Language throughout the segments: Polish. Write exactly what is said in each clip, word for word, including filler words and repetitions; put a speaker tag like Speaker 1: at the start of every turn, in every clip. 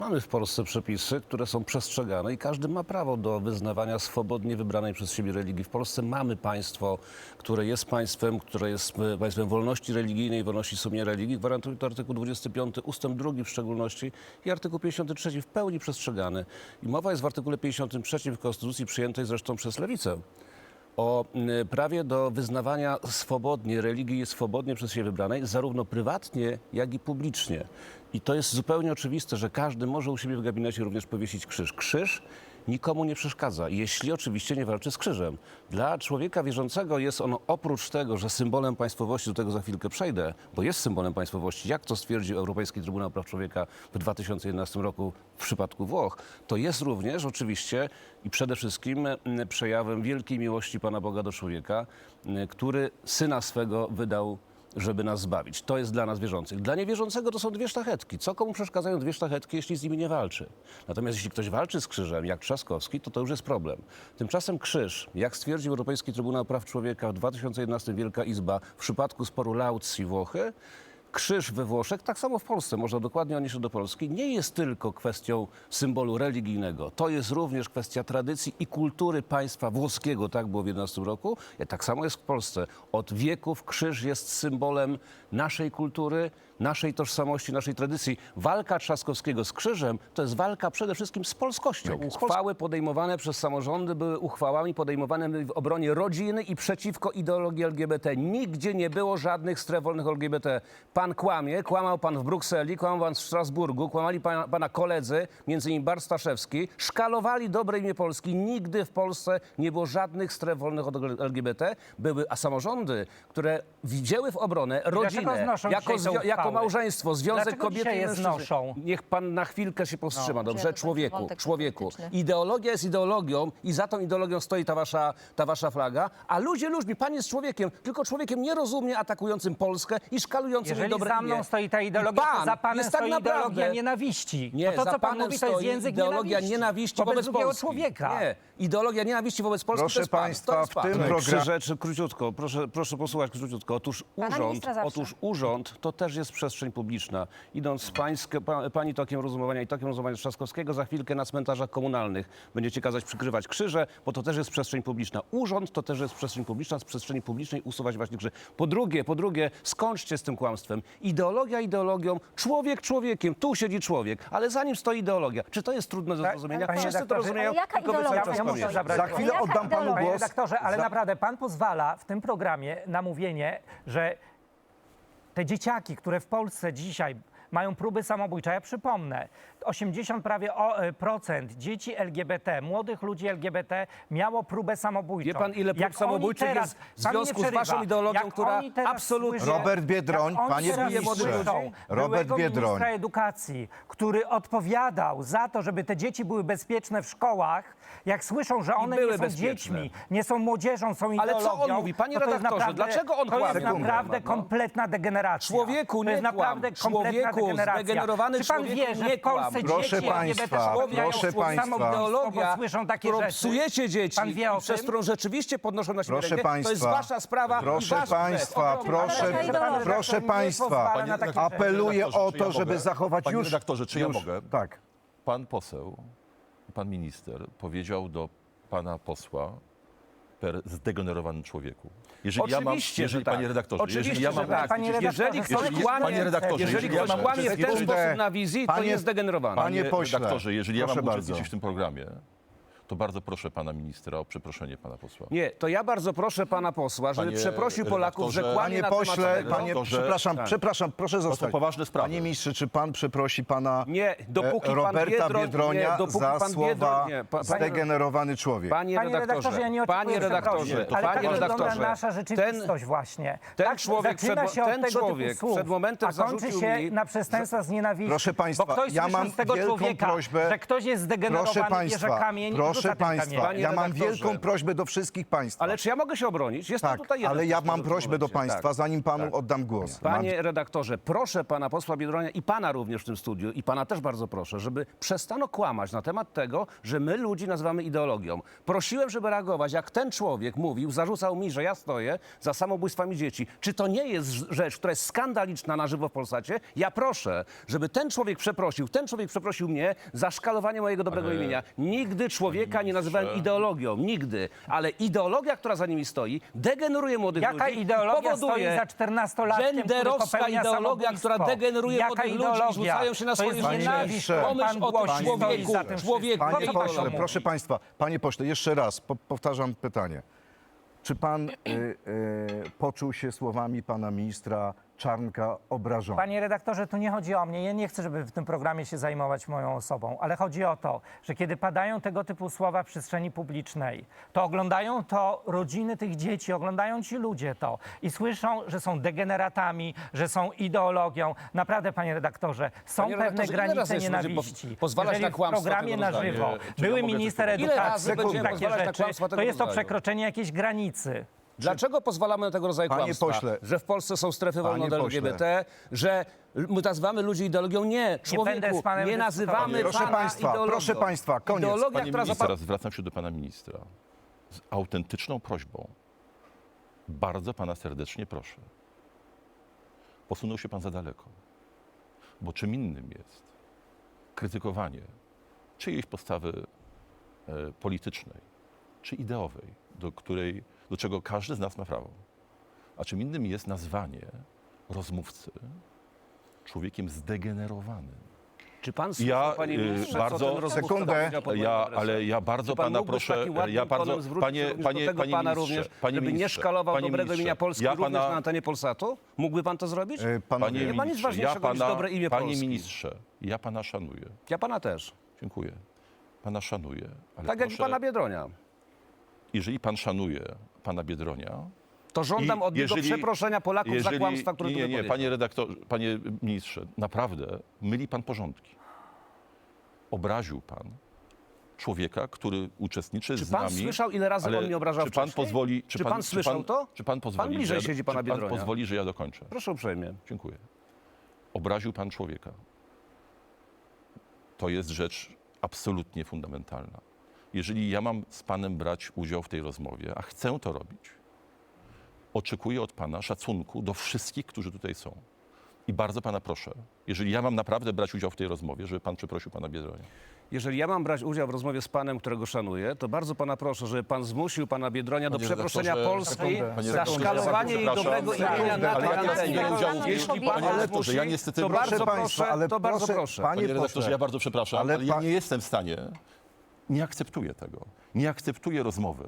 Speaker 1: Mamy w Polsce przepisy, które są przestrzegane i każdy ma prawo do wyznawania swobodnie wybranej przez siebie religii. W Polsce mamy państwo, które jest państwem, które jest państwem wolności religijnej, wolności sumienia religii. Gwarantuje to artykuł dwudziesty piąty, ustęp drugi w szczególności i artykuł pięćdziesiąty trzeci w pełni przestrzegany. I mowa jest w artykule pięćdziesiątym trzecim w Konstytucji, przyjętej zresztą przez Lewicę, o prawie do wyznawania swobodnie religii swobodnie przez siebie wybranej, zarówno prywatnie, jak i publicznie. I to jest zupełnie oczywiste, że każdy może u siebie w gabinecie również powiesić krzyż. Krzyż nikomu nie przeszkadza, jeśli oczywiście nie walczy z krzyżem. Dla człowieka wierzącego jest ono oprócz tego, że symbolem państwowości, do tego za chwilkę przejdę, bo jest symbolem państwowości, jak to stwierdził Europejski Trybunał Praw Człowieka w dwa tysiące jedenastym roku w przypadku Włoch, to jest również oczywiście i przede wszystkim przejawem wielkiej miłości Pana Boga do człowieka, który Syna swego wydał, żeby nas zbawić. To jest dla nas wierzących. Dla niewierzącego to są dwie sztachetki. Co komu przeszkadzają dwie sztachetki, jeśli z nimi nie walczy? Natomiast jeśli ktoś walczy z krzyżem, jak Trzaskowski, to to już jest problem. Tymczasem krzyż, jak stwierdził Europejski Trybunał Praw Człowieka w dwa tysiące jedenastym Wielka Izba w przypadku sporu Laucji Włochy, krzyż we Włoszech, tak samo w Polsce, można dokładnie odnieść do Polski, nie jest tylko kwestią symbolu religijnego. To jest również kwestia tradycji i kultury państwa włoskiego, tak było w jedenastym roku. Tak samo jest w Polsce. Od wieków krzyż jest symbolem naszej kultury, naszej tożsamości, naszej tradycji. Walka Trzaskowskiego z krzyżem to jest walka przede wszystkim z polskością. Uchwały podejmowane przez samorządy były uchwałami podejmowanymi w obronie rodziny i przeciwko ideologii L G B T. Nigdzie nie było żadnych stref wolnych L G B T. Pan kłamie, kłamał pan w Brukseli, kłamał pan w Strasburgu, kłamali pana, pana koledzy, między innymi Bart Staszewski, szkalowali dobre imię Polski. Nigdy w Polsce nie było żadnych stref wolnych od L G B T. Były, a samorządy, które wzięły w obronę rodzinę, jako, jako małżeństwo, związek
Speaker 2: Dlaczego
Speaker 1: kobiety i
Speaker 2: je
Speaker 1: mężczyzny.
Speaker 2: znoszą?
Speaker 1: Niech pan na chwilkę się powstrzyma,
Speaker 3: No,
Speaker 1: dobrze?
Speaker 3: to
Speaker 1: Człowieku,
Speaker 3: wątek
Speaker 1: człowieku.
Speaker 3: polityczny.
Speaker 1: Ideologia jest ideologią i za tą ideologią stoi ta wasza, ta wasza flaga, a ludzie ludźmi, pan jest człowiekiem, tylko człowiekiem nierozumnie atakującym Polskę i szkalującym jej
Speaker 2: Jeżeli
Speaker 1: dobre
Speaker 2: za mną
Speaker 1: imię.
Speaker 2: stoi ta ideologia,
Speaker 1: Pan
Speaker 2: to za panem
Speaker 1: jest tak
Speaker 2: stoi
Speaker 1: naprawdę-
Speaker 2: ideologia nienawiści.
Speaker 1: Nie,
Speaker 2: Bo to,
Speaker 1: za
Speaker 2: co pan
Speaker 1: panem
Speaker 2: mówi, to jest
Speaker 1: stoi
Speaker 2: język
Speaker 1: ideologia
Speaker 2: nienawiści,
Speaker 1: nienawiści wobec,
Speaker 2: drugiego
Speaker 1: Polski.
Speaker 2: człowieka.
Speaker 1: Nie, ideologia nienawiści wobec Polski
Speaker 4: Proszę
Speaker 1: to jest pan,
Speaker 4: państwa,
Speaker 1: to jest
Speaker 4: w
Speaker 1: pan.
Speaker 4: tym
Speaker 1: Trzy
Speaker 4: programie-
Speaker 1: rzeczy, króciutko, proszę, proszę posłuchać króciutko. Otóż
Speaker 3: Pana
Speaker 1: urząd,
Speaker 3: ministra zawsze.
Speaker 1: otóż urząd to też jest przestrzeń publiczna. Idąc pańskie, pa, pani tokiem rozumowania i tokiem rozumowania Trzaskowskiego, za chwilkę na cmentarzach komunalnych będziecie kazać przykrywać krzyże, bo to też jest przestrzeń publiczna. Urząd to też jest przestrzeń publiczna, z przestrzeni publicznej usuwać właśnie krzyże. Po drugie, po drugie, skończcie z tym kłamstwem. Ideologia ideologią, człowiek człowiekiem, tu siedzi człowiek, ale za nim stoi ideologia. Czy to jest trudne do
Speaker 2: Tak,
Speaker 1: zrozumienia?
Speaker 2: panie
Speaker 1: Wszyscy to
Speaker 2: redaktorze,
Speaker 1: rozumieją,
Speaker 3: ale jaka
Speaker 1: tylko wy cały
Speaker 3: ideologia?
Speaker 1: czas
Speaker 2: Ja muszę
Speaker 1: kłamiecie.
Speaker 2: zabrać
Speaker 4: Za chwilę
Speaker 3: Jaka
Speaker 4: oddam panu
Speaker 3: ideologia?
Speaker 2: Panie
Speaker 4: głos.
Speaker 2: redaktorze, ale
Speaker 4: Za-
Speaker 2: naprawdę pan pozwala w tym programie na mówienie, że te dzieciaki, które w Polsce dzisiaj mają próby samobójcze, ja przypomnę, osiemdziesiąt prawie o, e, procent dzieci L G B T, młodych ludzi L G B T miało próbę samobójczą.
Speaker 1: Wie pan, ile prób
Speaker 2: Jak oni
Speaker 1: samobójczych
Speaker 2: teraz-
Speaker 1: jest w
Speaker 2: pan nie
Speaker 1: związku z
Speaker 2: przerywa.
Speaker 1: waszą ideologią,
Speaker 2: Jak
Speaker 1: która
Speaker 2: oni teraz
Speaker 1: absolutnie-
Speaker 2: słyszą-
Speaker 4: Robert Biedroń,
Speaker 2: jak oni
Speaker 4: panie
Speaker 2: teraz
Speaker 4: ministrze.
Speaker 2: słyszą
Speaker 4: Robert
Speaker 2: byłego
Speaker 4: Biedroń.
Speaker 2: ministra edukacji, który odpowiadał za to, żeby te dzieci były bezpieczne w szkołach, jak słyszą, że one
Speaker 1: były
Speaker 2: nie są
Speaker 1: bezpieczne.
Speaker 2: dziećmi, nie są młodzieżą, są
Speaker 1: Ale
Speaker 2: ideologią.
Speaker 1: co on mówi? Panie
Speaker 2: to to jest
Speaker 1: redaktorze,
Speaker 2: naprawdę-
Speaker 1: dlaczego on
Speaker 2: To jest
Speaker 1: kłamie?
Speaker 2: naprawdę
Speaker 1: Sekundę, no.
Speaker 2: kompletna degeneracja.
Speaker 1: Człowieku,
Speaker 2: to jest
Speaker 1: nie kłam.
Speaker 2: naprawdę kompletna
Speaker 1: Człowieku,
Speaker 2: degeneracja.
Speaker 1: zdegenerowany
Speaker 2: Czy pan
Speaker 1: człowieku,
Speaker 2: wie, że
Speaker 1: nie
Speaker 2: w Polsce
Speaker 1: kłam.
Speaker 4: Proszę
Speaker 2: dzieci L G B T
Speaker 4: państwa,
Speaker 2: szkołują
Speaker 4: proszę
Speaker 2: samobójstwo,
Speaker 4: państwa.
Speaker 1: Ideologia,
Speaker 2: bo słyszą takie
Speaker 1: którą
Speaker 2: rzeczy.
Speaker 1: psujecie dzieci
Speaker 2: Pan wie o
Speaker 1: i przez
Speaker 2: tym?
Speaker 1: którą rzeczywiście podnoszą na siebie
Speaker 4: Proszę
Speaker 1: rękę,
Speaker 4: państwa,
Speaker 1: to jest wasza sprawa
Speaker 4: proszę
Speaker 1: i wasz
Speaker 4: państwa,
Speaker 1: grzech.
Speaker 4: proszę,
Speaker 3: Ale ideologia.
Speaker 4: proszę
Speaker 2: Nie
Speaker 4: państwa,
Speaker 2: pozwala na takie rzeczy.
Speaker 4: apeluję
Speaker 5: redaktorze,
Speaker 4: o
Speaker 5: czy ja
Speaker 4: to, żeby
Speaker 5: mogę?
Speaker 4: zachować
Speaker 5: Panie
Speaker 4: już...
Speaker 5: redaktorze, czy ja
Speaker 4: już,
Speaker 5: mogę?
Speaker 4: Tak.
Speaker 5: Pan poseł, pan minister powiedział do pana posła per zdegenerowany człowieku. Jeżeli ja mam,
Speaker 1: Oczywiście,
Speaker 5: jeżeli,
Speaker 1: że tak.
Speaker 5: Panie redaktorze,
Speaker 1: Oczywiście,
Speaker 5: jeżeli ja
Speaker 1: że
Speaker 5: mam
Speaker 1: tak.
Speaker 2: Panie
Speaker 5: uczestniczyć-
Speaker 2: redaktorze,
Speaker 1: Jeżeli ktoś
Speaker 5: jeżeli-
Speaker 1: kłamie,
Speaker 5: Panie redaktorze,
Speaker 1: jeżeli
Speaker 5: jeżeli ja
Speaker 1: ktoś
Speaker 5: mam
Speaker 1: kłamie w ten
Speaker 5: uczestniczyć-
Speaker 1: sposób na wizji, to
Speaker 4: Panie-
Speaker 1: jest zdegenerowany.
Speaker 4: Panie
Speaker 5: Panie
Speaker 4: pośle,
Speaker 5: redaktorze, jeżeli ja
Speaker 4: proszę
Speaker 5: mam
Speaker 4: bardzo.
Speaker 5: uczestniczyć w tym programie, to bardzo proszę pana ministra o przeproszenie pana posła.
Speaker 1: Nie, to ja bardzo proszę pana posła, żeby
Speaker 5: Panie
Speaker 1: przeprosił Polaków, że
Speaker 5: redaktorze-
Speaker 1: kłamie
Speaker 4: Panie
Speaker 1: na
Speaker 4: pośle,
Speaker 1: temat tego.
Speaker 4: panie,
Speaker 5: To, że-
Speaker 4: przepraszam,
Speaker 1: tak.
Speaker 4: przepraszam, proszę zostać.
Speaker 5: poważne sprawy.
Speaker 4: Panie ministrze, czy pan przeprosi pana
Speaker 1: Nie, dopóki
Speaker 4: e,
Speaker 1: pan
Speaker 4: Roberta
Speaker 1: Biedroń-
Speaker 4: Biedronia
Speaker 1: nie, dopóki
Speaker 4: za
Speaker 1: pan
Speaker 4: słowa
Speaker 1: Biedroń- nie, pa- panie-
Speaker 4: zdegenerowany człowiek?
Speaker 1: Panie
Speaker 2: Panie redaktorze,
Speaker 1: redaktorze,
Speaker 2: ja nie oczekuję
Speaker 1: panie redaktorze,
Speaker 2: przeprosin,
Speaker 1: to
Speaker 2: ale
Speaker 1: panie
Speaker 2: tak wygląda
Speaker 1: redaktorze,
Speaker 2: nasza rzeczywistość właśnie.
Speaker 1: ten
Speaker 2: tak,
Speaker 1: człowiek
Speaker 2: zaczyna
Speaker 1: przed-
Speaker 2: się od
Speaker 1: ten
Speaker 2: tego
Speaker 1: człowiek
Speaker 2: typu słów,
Speaker 1: przed momentem
Speaker 2: a kończy
Speaker 1: zarzucił
Speaker 2: się
Speaker 1: mi,
Speaker 2: na przestępstwa z nienawiści.
Speaker 4: Proszę państwa,
Speaker 2: bo ktoś
Speaker 4: ja
Speaker 2: słyszy
Speaker 4: mam
Speaker 2: z tego
Speaker 4: wielką
Speaker 2: człowieka,
Speaker 4: prośbę.
Speaker 2: że ktoś jest zdegenerowany,
Speaker 4: Proszę
Speaker 2: bierze
Speaker 4: państwa,
Speaker 2: kamień i
Speaker 4: proszę Proszę
Speaker 2: za tym
Speaker 4: państwa,
Speaker 2: kamieniem.
Speaker 1: Panie
Speaker 4: ja mam
Speaker 1: redaktorze.
Speaker 4: wielką prośbę do wszystkich państwa.
Speaker 1: Ale czy ja mogę się obronić? Jest pan
Speaker 4: tak,
Speaker 1: tutaj jeden
Speaker 4: ale ja
Speaker 1: poseł
Speaker 4: mam
Speaker 1: w tym
Speaker 4: prośbę do
Speaker 1: momencie.
Speaker 4: państwa,
Speaker 1: Tak.
Speaker 4: zanim panu oddam głos. Mam
Speaker 1: Panie redaktorze, proszę pana posła Biedronia i pana również w tym studiu, i pana też bardzo proszę, żeby przestano kłamać na temat tego, że my ludzi nazywamy ideologią. Prosiłem, żeby reagować, jak ten człowiek mówił, zarzucał mi, że ja stoję za samobójstwami dzieci. Czy to nie jest rzecz, która jest skandaliczna na żywo w Polsacie? Ja proszę, żeby ten człowiek przeprosił, ten człowiek przeprosił mnie za szkalowanie mojego dobrego
Speaker 5: Ale-
Speaker 1: imienia. Nigdy człowieka nie nazywałem
Speaker 5: ministrze.
Speaker 1: ideologią, nigdy. Ale ideologia, która za nimi stoi, degeneruje młodych
Speaker 2: Jaka
Speaker 1: ludzi,
Speaker 2: ideologia
Speaker 1: powoduje
Speaker 2: stoi za czternastolatkiem, który
Speaker 1: genderowska
Speaker 2: popełnia
Speaker 1: ideologia, która
Speaker 2: samobójstwo?
Speaker 1: degeneruje
Speaker 2: Jaka
Speaker 1: młodych ludzi i
Speaker 2: ideologia?
Speaker 1: rzucają się na
Speaker 2: To
Speaker 1: swoje
Speaker 2: jest
Speaker 1: życie.
Speaker 2: nienawiść,
Speaker 4: Panie
Speaker 2: którą
Speaker 1: Pomyśl
Speaker 2: pan
Speaker 1: o tym
Speaker 2: głosi,
Speaker 1: człowieku,
Speaker 2: stoi za tym
Speaker 1: człowieku.
Speaker 2: wszystkim.
Speaker 4: Panie
Speaker 2: Co to pan
Speaker 4: pośle,
Speaker 2: mówi?
Speaker 4: proszę państwa, panie pośle, jeszcze raz po, powtarzam pytanie. Czy pan y, y, poczuł się słowami pana ministra Czarnka obrażony?
Speaker 2: Panie redaktorze, tu nie chodzi o mnie. Ja nie chcę, żeby w tym programie się zajmować moją osobą, ale chodzi o to, że kiedy padają tego typu słowa w przestrzeni publicznej, to oglądają to rodziny tych dzieci, oglądają ci ludzie to i słyszą, że są degeneratami, że są ideologią. Naprawdę, panie redaktorze, są
Speaker 1: Panie
Speaker 2: pewne
Speaker 1: redaktorze, ile razy
Speaker 2: granice
Speaker 1: jeszcze będzie
Speaker 2: nienawiści.
Speaker 1: po- pozwalać
Speaker 2: Jeżeli
Speaker 1: na kłamstwa
Speaker 2: w programie
Speaker 1: tego
Speaker 2: na
Speaker 1: rodzaju?
Speaker 2: żywo
Speaker 5: Czy ja
Speaker 2: były
Speaker 5: mogę
Speaker 2: minister
Speaker 5: tylko powiedzieć?
Speaker 1: Ile
Speaker 2: edukacji,
Speaker 1: razy będziemy
Speaker 2: takie
Speaker 1: pozwalać na
Speaker 2: rzeczy,
Speaker 1: kłamstwa tego
Speaker 2: to jest to
Speaker 1: rodzaju?
Speaker 2: przekroczenie jakiejś granicy.
Speaker 1: Dlaczego pozwalamy na tego rodzaju
Speaker 4: Panie
Speaker 1: kłamstwa?
Speaker 4: pośle.
Speaker 1: Że w Polsce są strefy wolne
Speaker 4: Panie
Speaker 1: od
Speaker 4: pośle.
Speaker 1: L G B T, że my nazywamy ludzi ideologią? Nie, człowieku,
Speaker 2: będę z panem
Speaker 1: nie
Speaker 2: dyskutował.
Speaker 1: nazywamy
Speaker 4: Proszę
Speaker 1: pana
Speaker 4: państwa,
Speaker 1: ideologią.
Speaker 4: proszę państwa, koniec.
Speaker 1: Ideologia,
Speaker 5: Panie
Speaker 1: która
Speaker 5: ministrze,
Speaker 1: zapa-
Speaker 5: teraz zwracam się do pana ministra z autentyczną prośbą. Bardzo pana serdecznie proszę. Posunął się pan za daleko. Bo czym innym jest krytykowanie czyjejś postawy e, politycznej czy ideowej, do, której, do czego każdy z nas ma prawo. A czym innym jest nazwanie rozmówcy człowiekiem zdegenerowanym.
Speaker 1: Czy pan słyszał,
Speaker 5: Ja,
Speaker 1: panie
Speaker 5: y,
Speaker 1: ministrze,
Speaker 5: bardzo-
Speaker 1: co ten rozmówca
Speaker 4: Sekundę.
Speaker 1: powiedział pod moim
Speaker 5: Ja,
Speaker 1: adresem?
Speaker 5: ale ja bardzo
Speaker 1: Czy pan
Speaker 5: pana
Speaker 1: mógłby z
Speaker 5: proszę,
Speaker 1: takim ładnym
Speaker 5: ja bardzo,
Speaker 1: tonem zwrócić
Speaker 5: panie,
Speaker 1: się również
Speaker 5: panie,
Speaker 1: do tego
Speaker 5: panie
Speaker 1: pana
Speaker 5: ministrze,
Speaker 1: również,
Speaker 5: panie
Speaker 1: żeby nie
Speaker 5: ministrze,
Speaker 1: szkalował
Speaker 5: panie
Speaker 1: dobrego
Speaker 5: ministrze,
Speaker 1: imienia Polski
Speaker 5: ja
Speaker 1: również
Speaker 5: pana-
Speaker 1: na antenie Polsatu? Mógłby pan to zrobić?
Speaker 4: Y, panowie,
Speaker 5: Panie
Speaker 1: Nie ma nic
Speaker 5: ministrze,
Speaker 1: ważniejszego
Speaker 5: ja
Speaker 1: niż
Speaker 5: pana,
Speaker 1: dobre imię
Speaker 5: panie
Speaker 1: Polski.
Speaker 5: ministrze, ja pana szanuję.
Speaker 1: Ja pana też.
Speaker 5: Dziękuję. Pana szanuję. Ale
Speaker 1: Tak jak i
Speaker 5: proszę,
Speaker 1: pana Biedronia.
Speaker 5: jeżeli pan szanuje pana Biedronia,
Speaker 1: To żądam
Speaker 5: I
Speaker 1: od niego
Speaker 5: jeżeli-
Speaker 1: przeproszenia Polaków
Speaker 5: jeżeli,
Speaker 1: za kłamstwa, które
Speaker 5: nie,
Speaker 1: tu
Speaker 5: nie, nie,
Speaker 1: wypowiedział.
Speaker 5: panie redaktorze, panie ministrze, naprawdę myli pan porządki. Obraził pan człowieka, który uczestniczy
Speaker 1: Czy
Speaker 5: z
Speaker 1: pan
Speaker 5: nami.
Speaker 1: słyszał, ile razy
Speaker 5: ale
Speaker 1: on mnie obrażał
Speaker 5: Czy pan
Speaker 1: wcześniej?
Speaker 5: pozwoli...
Speaker 1: Czy pan słyszał to?
Speaker 5: Czy pan pozwoli,
Speaker 1: Pan bliżej
Speaker 5: że,
Speaker 1: siedzi pana
Speaker 5: czy pan
Speaker 1: Biedronia.
Speaker 5: pozwoli, że ja dokończę?
Speaker 1: Proszę uprzejmie.
Speaker 5: Dziękuję. Obraził pan człowieka. To jest rzecz absolutnie fundamentalna. Jeżeli ja mam z panem brać udział w tej rozmowie, a chcę to robić, oczekuję od pana szacunku do wszystkich, którzy tutaj są. I bardzo pana proszę, jeżeli ja mam naprawdę brać udział w tej rozmowie, żeby pan przeprosił pana Biedronia.
Speaker 1: Jeżeli ja mam brać udział w rozmowie z panem, którego szanuję, to bardzo pana proszę, żeby pan zmusił pana Biedronia do
Speaker 5: Panie
Speaker 1: przeproszenia
Speaker 5: redaktorze,
Speaker 1: Polski
Speaker 4: sekundę.
Speaker 5: Panie
Speaker 1: za
Speaker 5: redaktorze,
Speaker 1: szkalowanie jej
Speaker 5: przepraszam.
Speaker 1: dobrego imienia na
Speaker 4: Ale
Speaker 1: tej
Speaker 4: ja nie
Speaker 1: antenie.
Speaker 5: biorę udziału w-
Speaker 1: Jeśli
Speaker 5: Panie
Speaker 1: pan
Speaker 5: redaktorze,
Speaker 1: zmusi,
Speaker 5: ja niestety-
Speaker 1: to
Speaker 5: Proszę
Speaker 1: bardzo
Speaker 4: państwa,
Speaker 1: proszę,
Speaker 4: ale
Speaker 1: to bardzo
Speaker 4: proszę-
Speaker 1: proszę.
Speaker 4: panie
Speaker 5: Panie redaktorze,
Speaker 4: pośle,
Speaker 5: ja bardzo przepraszam, ale,
Speaker 4: ale
Speaker 5: ja
Speaker 4: pa-
Speaker 5: nie jestem w stanie, nie akceptuję tego. Nie akceptuję rozmowy,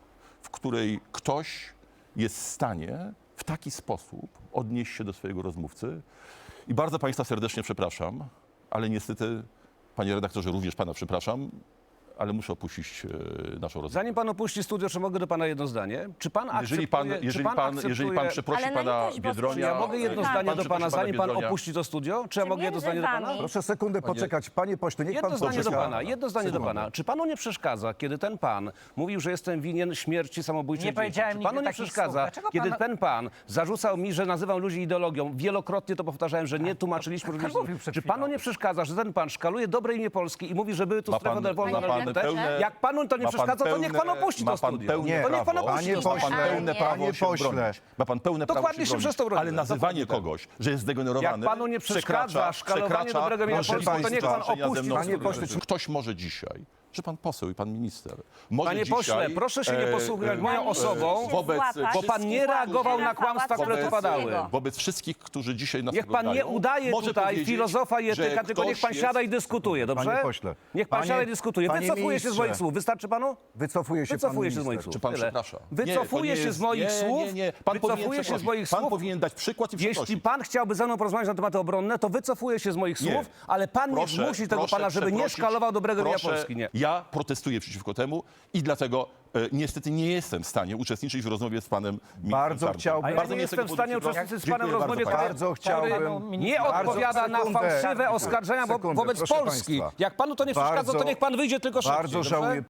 Speaker 5: w której ktoś jest w stanie w taki sposób odnieść się do swojego rozmówcy. I bardzo państwa serdecznie przepraszam, ale niestety, panie redaktorze, również pana przepraszam, ale muszę opuścić e, naszą rozmowę.
Speaker 1: Zanim pan opuści studio, czy mogę do pana jedno zdanie? Czy pan akceptuje...
Speaker 5: Jeżeli pan,
Speaker 1: czy
Speaker 5: jeżeli
Speaker 1: pan,
Speaker 5: pan, jeżeli pan
Speaker 1: akceptuje-
Speaker 5: przeprosi
Speaker 3: Ale na
Speaker 5: pana
Speaker 3: litość boską,
Speaker 5: Biedronia...
Speaker 1: Czy ja mogę jedno
Speaker 3: Tak.
Speaker 1: zdanie
Speaker 5: pan
Speaker 1: do pana,
Speaker 5: przeprosi
Speaker 1: zanim pan
Speaker 5: Biedronia?
Speaker 1: opuści to studio? Czy ja mogę jedno
Speaker 3: między
Speaker 1: zdanie do pana?
Speaker 3: wami-
Speaker 4: Proszę sekundę poczekać. Panie pośle, niech
Speaker 1: Jedno
Speaker 4: pan
Speaker 1: zdanie do
Speaker 4: poczeka.
Speaker 1: pana, jedno zdanie do
Speaker 5: Sekundę.
Speaker 1: pana. Czy panu nie przeszkadza, kiedy ten pan mówił, że jestem winien śmierci samobójczej
Speaker 2: Nie
Speaker 1: dzieci?
Speaker 2: powiedziałem
Speaker 1: Czy panu
Speaker 2: nigdy
Speaker 1: nie
Speaker 2: takich
Speaker 1: przeszkadza,
Speaker 2: słów. Dlaczego
Speaker 1: kiedy
Speaker 2: pan-
Speaker 1: ten pan zarzucał mi, że nazywam ludzi ideologią? Wielokrotnie to powtarzałem, że nie tłumaczyliśmy
Speaker 2: pan
Speaker 1: różnicy.
Speaker 2: mówił przed
Speaker 1: Czy
Speaker 2: chwilą.
Speaker 1: panu nie przeszkadza, że ten pan szkaluje dobre imię Polski i mówi, że były tu
Speaker 5: Ma
Speaker 1: strefy
Speaker 5: pan-
Speaker 1: wolne
Speaker 3: ma
Speaker 1: na
Speaker 3: pan
Speaker 1: L G B T?
Speaker 5: pełne-
Speaker 1: Jak panu to nie
Speaker 5: ma pan
Speaker 1: przeszkadza, to niech pan
Speaker 5: pełne-
Speaker 1: opuści
Speaker 5: ma
Speaker 1: to
Speaker 5: pan
Speaker 1: studio.
Speaker 5: pełne
Speaker 1: To niech pan
Speaker 5: prawo-
Speaker 1: opuści
Speaker 4: Panie
Speaker 1: to
Speaker 4: pośle,
Speaker 1: studio.
Speaker 5: pełne
Speaker 3: nie.
Speaker 5: prawo
Speaker 4: Panie
Speaker 5: się
Speaker 4: pośle.
Speaker 5: bronić. Ma pan pełne prawo
Speaker 1: Dokładnie
Speaker 5: się
Speaker 1: się
Speaker 5: bronić.
Speaker 1: przez to broniłem.
Speaker 5: Ale nazywanie
Speaker 1: Dokładnie
Speaker 5: kogoś, że jest zdegenerowany,
Speaker 1: Jak panu nie przeszkadza
Speaker 5: przekracza-
Speaker 1: szkalowanie
Speaker 5: przekracza
Speaker 1: dobrego imienia
Speaker 4: Polski,
Speaker 5: możliwość
Speaker 4: to niech pan
Speaker 5: walczenia ze
Speaker 1: opuści
Speaker 5: mną w
Speaker 4: Panie
Speaker 5: studiu.
Speaker 4: pośle, czy-
Speaker 5: Ktoś może dzisiaj, że pan poseł i pan minister, może
Speaker 1: Panie
Speaker 5: dzisiaj,
Speaker 1: pośle, proszę się nie
Speaker 5: e,
Speaker 1: posługiwać
Speaker 5: e,
Speaker 1: moją
Speaker 3: Pani
Speaker 1: osobą,
Speaker 3: musi się
Speaker 5: wobec
Speaker 3: złapać.
Speaker 1: bo pan nie reagował na kłamstwa, które tu
Speaker 5: wobec,
Speaker 1: padały.
Speaker 5: wobec wszystkich, którzy dzisiaj nas
Speaker 1: Niech pan nie
Speaker 5: oglądają,
Speaker 1: udaje
Speaker 5: może
Speaker 1: tutaj
Speaker 5: powiedzieć,
Speaker 1: filozofa i
Speaker 5: że
Speaker 1: etyka, tylko niech
Speaker 5: ktoś
Speaker 1: pan siada i
Speaker 5: jest-
Speaker 1: dyskutuje, dobrze?
Speaker 4: Panie pośle,
Speaker 1: Niech pan
Speaker 4: panie-
Speaker 1: siada i dyskutuje.
Speaker 4: panie
Speaker 1: Wycofuje się z
Speaker 4: ministrze.
Speaker 1: moich słów. Wystarczy panu?
Speaker 4: Wycofuje się
Speaker 1: Wycofuje
Speaker 4: pan
Speaker 1: się z moich
Speaker 4: minister.
Speaker 1: słów.
Speaker 5: Czy pan
Speaker 1: Tyle.
Speaker 5: przeprasza?
Speaker 1: Wycofuje
Speaker 5: Nie, to nie
Speaker 1: się
Speaker 5: jest-
Speaker 1: z moich
Speaker 5: nie,
Speaker 1: słów.
Speaker 5: Nie, nie, pan powinien
Speaker 1: Wycofuje się z
Speaker 5: przeprosić.
Speaker 1: moich
Speaker 5: Pan
Speaker 1: słów.
Speaker 5: powinien dać przykład i
Speaker 1: Jeśli
Speaker 5: przeprosić.
Speaker 1: pan chciałby ze mną porozmawiać na tematy obronne, to wycofuje się z moich
Speaker 5: Nie.
Speaker 1: słów, ale pan
Speaker 5: Proszę-
Speaker 1: nie zmusi tego
Speaker 5: proszę
Speaker 1: pana, żeby nie
Speaker 5: przeprosić.
Speaker 1: szkalował dobrego imienia
Speaker 5: Proszę,
Speaker 1: Polski. Nie.
Speaker 5: Ja protestuję przeciwko temu i dlatego e, niestety nie jestem w stanie uczestniczyć w rozmowie z panem ministrem
Speaker 4: Bardzo
Speaker 5: Czarnkiem.
Speaker 4: chciałbym-
Speaker 1: A ja
Speaker 5: Bardzo
Speaker 1: nie
Speaker 5: mnie z tego
Speaker 1: jestem w stanie
Speaker 5: powodu
Speaker 1: uczestniczyć z
Speaker 5: przepraszam.
Speaker 1: panem w
Speaker 5: Dziękuję
Speaker 1: rozmowie,
Speaker 5: bardzo
Speaker 1: który,
Speaker 4: Bardzo chciałbym-
Speaker 1: który nie
Speaker 4: Bardzo-
Speaker 1: odpowiada na
Speaker 4: sekundę.
Speaker 1: fałszywe oskarżenia wo-
Speaker 4: Sekundę,
Speaker 1: wobec
Speaker 4: proszę
Speaker 1: Polski.
Speaker 4: państwa.
Speaker 1: Jak panu to nie przeszkadza, to
Speaker 4: Bardzo-
Speaker 1: niech pan wyjdzie tylko szybciej.
Speaker 4: Bardzo
Speaker 1: dobrze?
Speaker 4: żałuję,